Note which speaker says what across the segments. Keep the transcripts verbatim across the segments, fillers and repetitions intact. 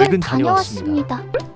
Speaker 1: 퇴근 다녀왔습니다.
Speaker 2: 다녀왔습니다.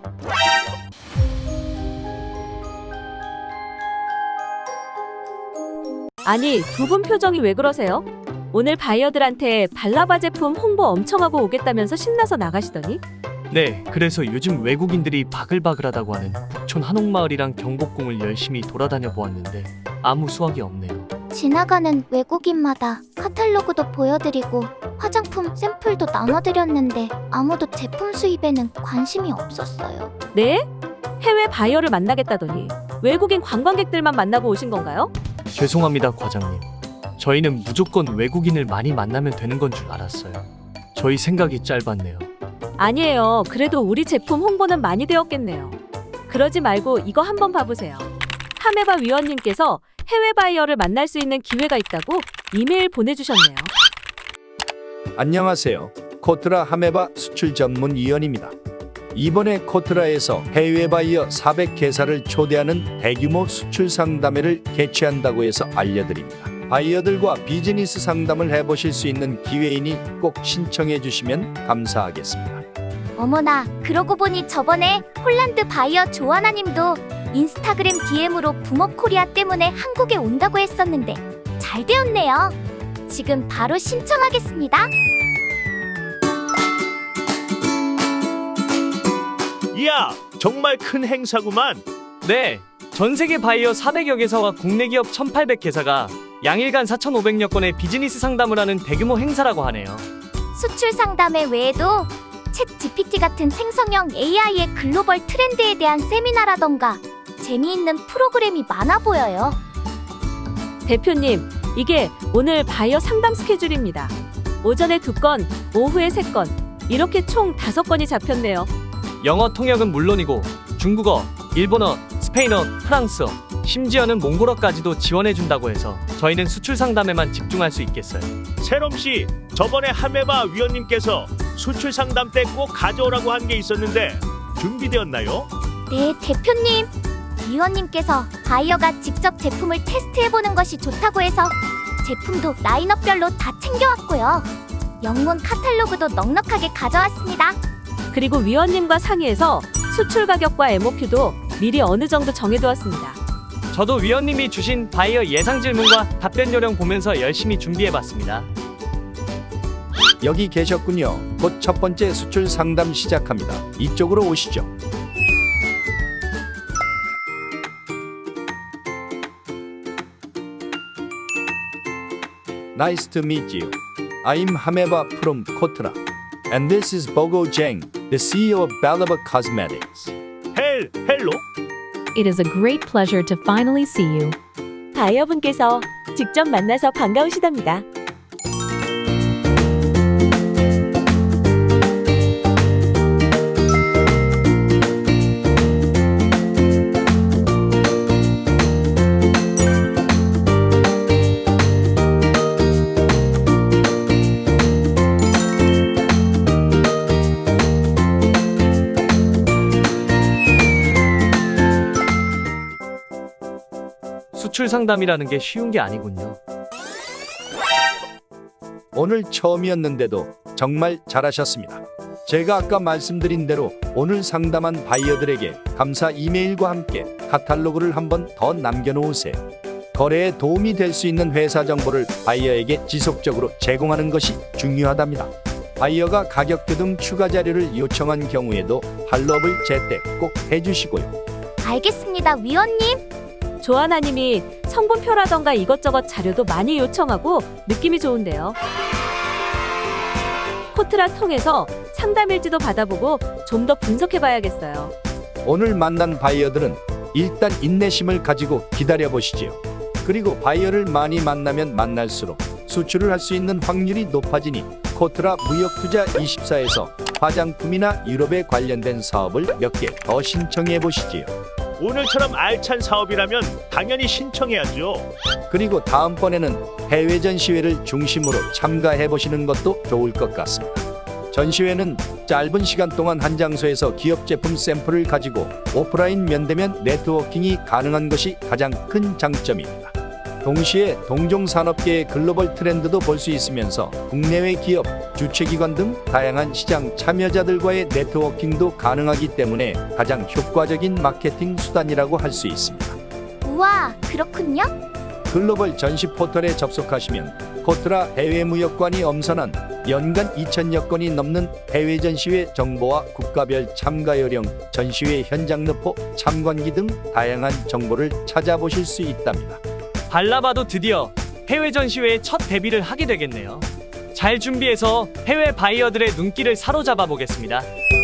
Speaker 3: 아니, 두 분 표정이 왜 그러세요? 오늘 바이어들한테 발라바 제품 홍보 엄청 하고 오겠다면서 신나서 나가시더니?
Speaker 1: 네, 그래서 요즘 외국인들이 바글바글하다고 하는 북촌 한옥마을이랑 경복궁을 열심히 돌아다녀 보았는데 아무 수확이 없네요.
Speaker 2: 지나가는 외국인마다 카탈로그도 보여드리고 화장품 샘플도 나눠드렸는데 아무도 제품 수입에는 관심이 없었어요.
Speaker 3: 네? 해외 바이어를 만나겠다더니 외국인 관광객들만 만나고 오신 건가요?
Speaker 1: 죄송합니다, 과장님. 저희는 무조건 외국인을 많이 만나면 되는 건 줄 알았어요. 저희 생각이 짧았네요.
Speaker 3: 아니에요. 그래도 우리 제품 홍보는 많이 되었겠네요. 그러지 말고 이거 한번 봐보세요. 하메바 위원님께서 해외 바이어를 만날 수 있는 기회가 있다고 이메일 보내주셨네요.
Speaker 4: 안녕하세요. 코트라 하메바 수출 전문 위원입니다. 이번에 코트라에서 해외 바이어 사백 개사를 초대하는 대규모 수출 상담회를 개최한다고 해서 알려드립니다. 바이어들과 비즈니스 상담을 해보실 수 있는 기회이니 꼭 신청해 주시면 감사하겠습니다.
Speaker 2: 어머나, 그러고 보니 저번에 홀란드 바이어 조아나님도 인스타그램 디엠으로 붐업코리아 때문에 한국에 온다고 했었는데 잘 되었네요. 지금 바로 신청하겠습니다.
Speaker 5: 이야, 정말 큰 행사구만.
Speaker 1: 네, 전 세계 바이어 사백여 개사와 국내 기업 천팔백 개사가 양일간 사천오백여 건의 비즈니스 상담을 하는 대규모 행사라고 하네요.
Speaker 2: 수출 상담회 외에도 챗 지피티 같은 생성형 에이아이의 글로벌 트렌드에 대한 세미나라던가 재미있는 프로그램이 많아 보여요.
Speaker 3: 대표님, 이게 오늘 바이어 상담 스케줄입니다. 오전에 두 건, 오후에 세 건, 이렇게 총 다섯 건이 잡혔네요.
Speaker 1: 영어 통역은 물론이고 중국어, 일본어, 스페인어, 프랑스어, 심지어는 몽골어까지도 지원해준다고 해서 저희는 수출 상담에만 집중할 수 있겠어요.
Speaker 5: 세롬씨, 저번에 하메바 위원님께서 수출 상담 때 꼭 가져오라고 한 게 있었는데 준비되었나요?
Speaker 2: 네, 대표님. 위원님께서 바이어가 직접 제품을 테스트해보는 것이 좋다고 해서 제품도 라인업별로 다 챙겨왔고요. 영문 카탈로그도 넉넉하게 가져왔습니다.
Speaker 3: 그리고 위원님과 상의해서 수출 가격과 엠오큐도 미리 어느 정도 정해두었습니다.
Speaker 1: 저도 위원님이 주신 바이어 예상 질문과 답변 요령 보면서 열심히 준비해봤습니다.
Speaker 4: 여기 계셨군요. 곧 첫 번째 수출 상담 시작합니다. 이쪽으로 오시죠. Nice to meet you. I'm Hameba from Kotra. And this is Bogo Zheng, the C E O of Balaba Cosmetics.
Speaker 5: 헬, 헬로?
Speaker 6: It is a great pleasure to finally see you.
Speaker 3: 바이어분께서 직접 만나서 반가우시답니다.
Speaker 1: 수출 상담이라는 게 쉬운 게 아니군요.
Speaker 4: 오늘 처음이었는데도 정말 잘하셨습니다. 제가 아까 말씀드린 대로 오늘 상담한 바이어들에게 감사 이메일과 함께 카탈로그를 한번 더 남겨놓으세요. 거래에 도움이 될 수 있는 회사 정보를 바이어에게 지속적으로 제공하는 것이 중요하답니다. 바이어가 가격표 등 추가 자료를 요청한 경우에도 팔로업을 제때 꼭 해주시고요.
Speaker 2: 알겠습니다, 위원님.
Speaker 3: 조아나님이 성분표라던가 이것저것 자료도 많이 요청하고 느낌이 좋은데요. 코트라 통해서 상담 일지도 받아보고 좀 더 분석해봐야겠어요.
Speaker 4: 오늘 만난 바이어들은 일단 인내심을 가지고 기다려보시지요. 그리고 바이어를 많이 만나면 만날수록 수출을 할 수 있는 확률이 높아지니 코트라 무역투자 이십사에서 화장품이나 유럽에 관련된 사업을 몇 개 더 신청해 보시지요.
Speaker 5: 오늘처럼 알찬 사업이라면 당연히 신청해야죠.
Speaker 4: 그리고 다음번에는 해외 전시회를 중심으로 참가해 보시는 것도 좋을 것 같습니다. 전시회는 짧은 시간 동안 한 장소에서 기업 제품 샘플을 가지고 오프라인 면대면 네트워킹이 가능한 것이 가장 큰 장점입니다. 동시에 동종 산업계의 글로벌 트렌드도 볼 수 있으면서 국내외 기업, 주최기관 등 다양한 시장 참여자들과의 네트워킹도 가능하기 때문에 가장 효과적인 마케팅 수단이라고 할 수 있습니다.
Speaker 2: 우와, 그렇군요.
Speaker 4: 글로벌 전시 포털에 접속하시면 코트라 해외무역관이 엄선한 연간 이천여 건이 넘는 해외 전시회 정보와 국가별 참가 요령, 전시회 현장 르포, 참관기 등 다양한 정보를 찾아보실 수 있답니다.
Speaker 1: 발라바도 드디어 해외 전시회에 첫 데뷔를 하게 되겠네요. 잘 준비해서 해외 바이어들의 눈길을 사로잡아 보겠습니다.